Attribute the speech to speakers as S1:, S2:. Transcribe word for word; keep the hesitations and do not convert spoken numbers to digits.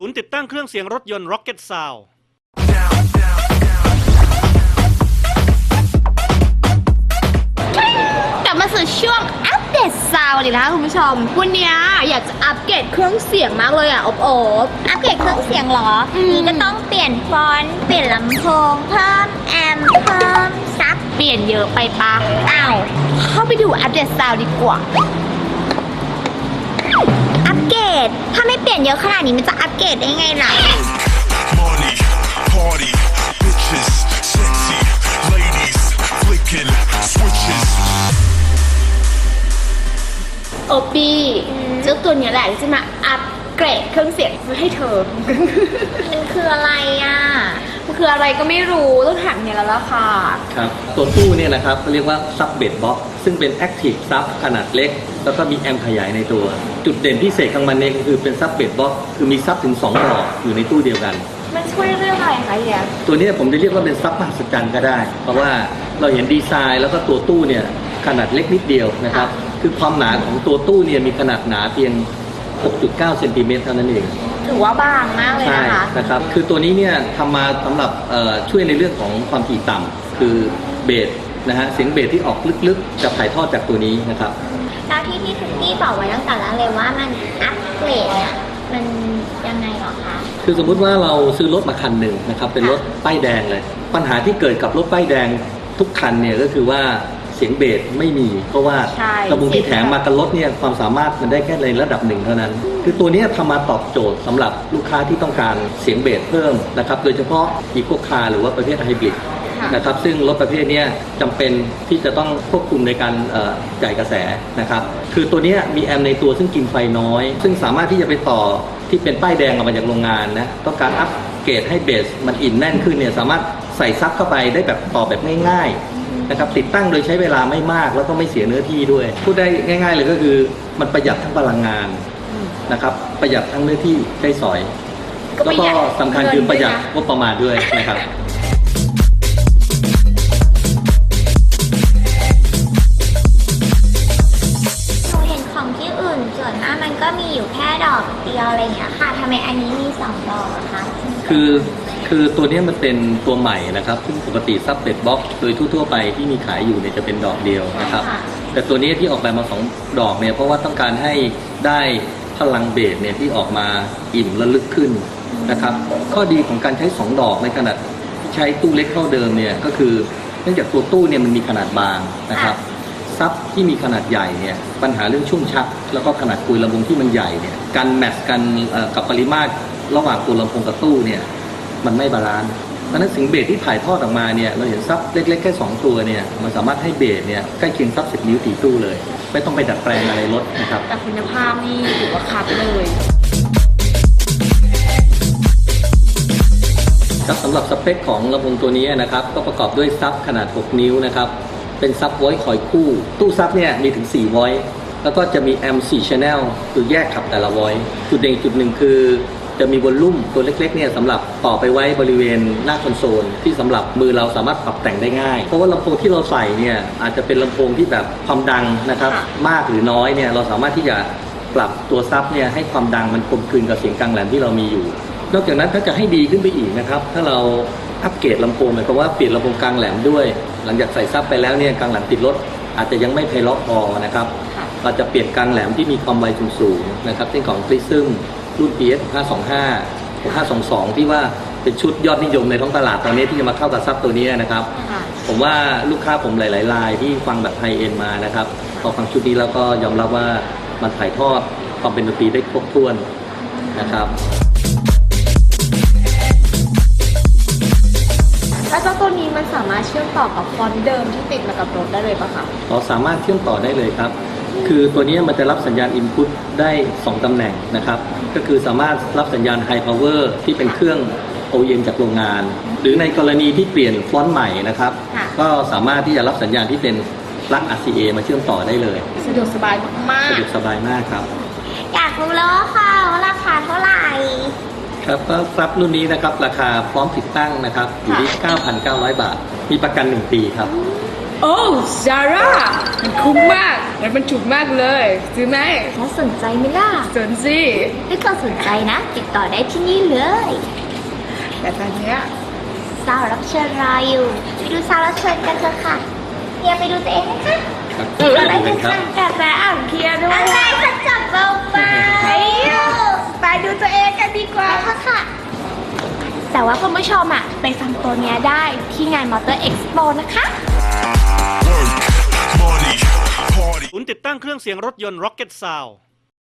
S1: ศูนย์ติดตั้งเครื่องเสียงรถยนต์ Rocket Sound
S2: กลับมาสู่ช่วงอัปเดตซาวด์เลยนะคะคุณผู้ชมวันนี้อยากจะอัปเกรดเครื่องเสียงมากเลยอ่ะอบโอบอัปเกรดเครื่องเสียงเหรอนี่ก็ต้องเปลี่ยนฟอนต์เปลี่ยนลำโพงเพิ่มแอมป์เพิ่มซับเปลี่ยนเยอะไปปะอ้าวเข้าไปดูอัปเดตซาวด์ดีกว่าอัปเกรดถ้าไม่เปลี่ยนเยอะขนาดนี้มันจะอัปเกรดได้ไงล่ะ
S3: Money, party, bitches, sexy, ladies, flicking switches.
S2: โอปีเจ้าตัวเนี้ยแหละที่จะมาอัปเกรดเครื่องเสียงให้เธอ มันคืออะไรอ่ะมันคืออะไรก็ไม่รู้ต้องถามเนี่ยแล้วล่ะค่ะ
S4: ครับตัวตู้เนี่ยนะครับเขาเรียกว่าซับเบสบ็อกซึ่งเป็นแอคทีฟซับขนาดเล็กแล้วก็มีแอมป์ขยายในตัว จุดเด่นพิเศษของมันเนี่ยก็คือเป็นซับเบสบ็อกคือมีซับถึงสองดอกอยู่ในตู้เดียวกัน
S2: มันช่วยเรื่องอะไรคะเฮีย
S4: ตัวนี้ผมจะเรียกว่าเป็นซับมหัศจรรย์ก็ได้ เพราะว่าเราเห็นดีไซน์แล้วก็ตัวตู้เนี่ยขนาดเล็กนิดเดียวนะครับคือความหนาของตัวตู้เนี่ยมีขนาดหนาเพียง หกจุดเก้า เซนติเมตรเท่านั้นเอง
S2: ถือว่าบางมากเลย
S4: ใช่
S2: นะคะ
S4: นะครับ คือตัวนี้เนี่ยทำมาสำหรับช่วยในเรื่องของความถี่ต่ำคือเบสนะฮะเสียงเบสที่ออกลึกๆจะถ่ายทอดจากตัวนี้นะครับ
S2: แล้วที่ที่ทุกที่บอกไว้ตั้งแต่แรกเลยว่ามันอัปเกรดเนี่ยมันยังไงหรอคะ
S4: คือสมมุติว่าเราซื้อรถมาคันหนึ่งนะครับเป็นรถป้ายแดงเลย ปัญหาที่เกิดกับรถป้ายแดงทุกคันเนี่ยก็คือว่าเสียงเบสไม่มี เพราะว่าระบบที่แถมมากับรถเนี่ยความสามารถมันได้แค่ในระดับหนึ่งเท่านั้น คือตัวนี้ทำมาตอบโจทย์สำหรับลูกค้าที่ต้องการเสียงเบสเพิ่มนะครับโดยเฉพาะอีโคคาร์หรือว่าประเภทไฮบริดนะครับซึ่งรถประเภทนี้จำเป็นที่จะต้องควบคุมในการจ่ายกระแสนะครับคือตัวนี้มีแอมป์ในตัวซึ่งกินไฟน้อย ซึ่งสามารถที่จะไปต่อที่เป็นป้ายแดงออกมาจากโรงงานนะต้องการอัปเกรดให้เบสมันอินแน่นขึ้นเนี่ยสามารถใส่ซับเข้าไปได้แบบต่อแบบง่ายๆนะครับติดตั้งโดยใช้เวลาไม่มากแล้วก็ไม่เสียเนื้อที่ด้วยพูดได้ง่ายๆเลยก็คือมันประหยัดทั้งพลังงานนะครับประหยัดทั้งเนื้อที่ใช้สอยแล้วก็สำคัญคือประหยัดงบประมาณด้วยนะครับ
S2: ของที่อื่นส่วนมากมันก็มีอยู่แค่ดอกเดียวอะไรอย่างเงี้ยค่ะทำไมอันนี้มีสองดอกอะคะ
S4: คือคือตัวนี้มันเป็นตัวใหม่นะครับซึ่งปกติซับเบสบ็อกโดยทั่วๆไปที่มีขายอยู่เนี่ยจะเป็นดอกเดียวนะครับแต่ตัวนี้ที่ออกแบบมาสองดอกเนี่ยเพราะว่าต้องการให้ได้พลังเบสเนี่ยที่ออกมาอิ่มและลึกขึ้นนะครับข้อดีของการใช้สองดอกในขณะที่ใช้ตู้เล็กเท่าเดิมเนี่ยก็คือเนื่องจากตัวตู้เนี่ยมันมีขนาดบางนะครับซับที่มีขนาดใหญ่เนี่ยปัญหาเรื่องชุ่มชักแล้วก็ขนาดกุยลำโพงที่มันใหญ่เนี่ยการแมทช์กันกับปริมาตรระหว่างตัวลำโพงกับตู้เนี่ยมันไม่บาลานซ์เพราะฉะนั้นเสียงเบสที่ถ่ายทอดออกมาเนี่ยเราเห็นซับเล็กๆแค่สองตัวเนี่ยมันสามารถให้เบสเนี่ยใกล้เคียงซับสิบนิ้วตีตู้เลยไม่ต้องไปดัดแปลงอะไรลดนะครับ
S2: แต่คุณภาพนี่ถือว่าคัดเลย
S4: ครับสำหรับสเปคของลำโพงตัวนี้นะครับก็ประกอบด้วยซับขนาดหกนิ้วนะครับเป็นซับไวท์คอยคู่ตู้ซับเนี่ยมีถึงสี่ไวท์แล้วก็จะมีแอมป์สี่ channel คือแยกขับแต่ละไวท์จุดเด่นจุดหนึ่งคือจะมีวอลลุ่มตัวเล็กๆเนี่ยสำหรับต่อไปไว้บริเวณหน้าคอนโซลที่สำหรับมือเราสามารถปรับแต่งได้ง่ายเพราะว่าลำโพงที่เราใส่เนี่ยอาจจะเป็นลำโพงที่แบบความดังนะครับมากหรือน้อยเนี่ยเราสามารถที่จะปรับตัวซับเนี่ยให้ความดังมันกลมกลืนกับเสียงกลางแหลมที่เรามีอยู่นอกจากนั้นถ้าจะให้ดีขึ้นไปอีกนะครับถ้าเราอัปเกรดลำโพงหมายความว่าเปลี่ยนลำโพงกลางแหลมด้วยหลังจากใส่ซับไปแล้วเนี่ยกลางแหลมติดรถอาจจะยังไม่ไพเราะพอนะครับเราจะเปลี่ยนกลางแหลมที่มีความไวสูงๆนะครับเช่นของ Prism รุ่น พี เอส ห้าสองห้า ห้าสองสองที่ว่าเป็นชุดยอดนิยมในท้องตลาดตอนนี้ที่จะมาเข้ากับซับตัวนี้นะครับผมว่าลูกค้าผมหลายๆรายที่ฟังแบบไฮเอ็นมานะครับพอฟังชุดนี้แล้วก็ยอมรับว่ามันถ่ายทอดความเป็นดนตรีได้ครบถ้วนนะครับ
S2: แล้วเจ้าตัวนี้มันสามารถเชื่อมต่อกับฟอนต์เดิมที่ติดมากับรถได้เลยปะคะ
S4: เราสามารถเชื่อมต่อได้เลยครับคือตัวนี้มันจะรับสัญญาณ Input ได้สองตำแหน่งนะครับก็คือสามารถรับสัญญาณ High Power ที่เป็นเครื่อง โอ อี เอ็ม จากโรงงานหรือในกรณีที่เปลี่ยนฟอนต์ใหม่นะครับก็สามารถที่จะรับสัญญาณที่เป็นปลั๊ก อาร์ ซี เอ มาเชื่อมต่อได้เลย
S2: สะดวกสบายมาก
S4: สะดวกสบายมากครับ
S2: อยากรู้แล้วค่ะว่าราคาเท่าไหร่
S4: ครับก็ซับรุ่นนี้นะครับราคาพร้อมติดตั้งนะครับอยู่ที่ เก้าพันเก้าร้อย บาทมีประกันหนึ่งปีครับ
S2: โ
S5: โอ้ซาร่ามันคุ้มมากแล้วมันถูกมากเลยซื้อไหม
S2: แล้วสนใจไหมล่ะ
S5: สนสิ
S2: ถ้าเกิดสนใจนะ ติดต่อได้ที่นี่เลย
S5: แต่ตอนเนี้ย
S2: สาวรับเชิญรออยู่ไปดูสาวรับเชิญกันเถอะค่ะเฮียไปดูตัวเองนะคะ
S4: ครับ
S2: เอออะไร
S4: เป็น
S2: กัน
S4: ครับ
S2: แต่แต่อ่านเคลียร์ด้วยอะไรจะจับเบาไปไปดูตัวเองกันดีกว่าค่ะค่ะ แต่ว่าคุณผู้ชมอ่ะไปฟังตัวเนี้ยได้ที่งานมอเตอร์เอ็กซ์โปนะคะ
S3: Work, money, party.
S1: ศูนย์ติดตั้งเครื่องเสียงรถยนต์ Rocket Sound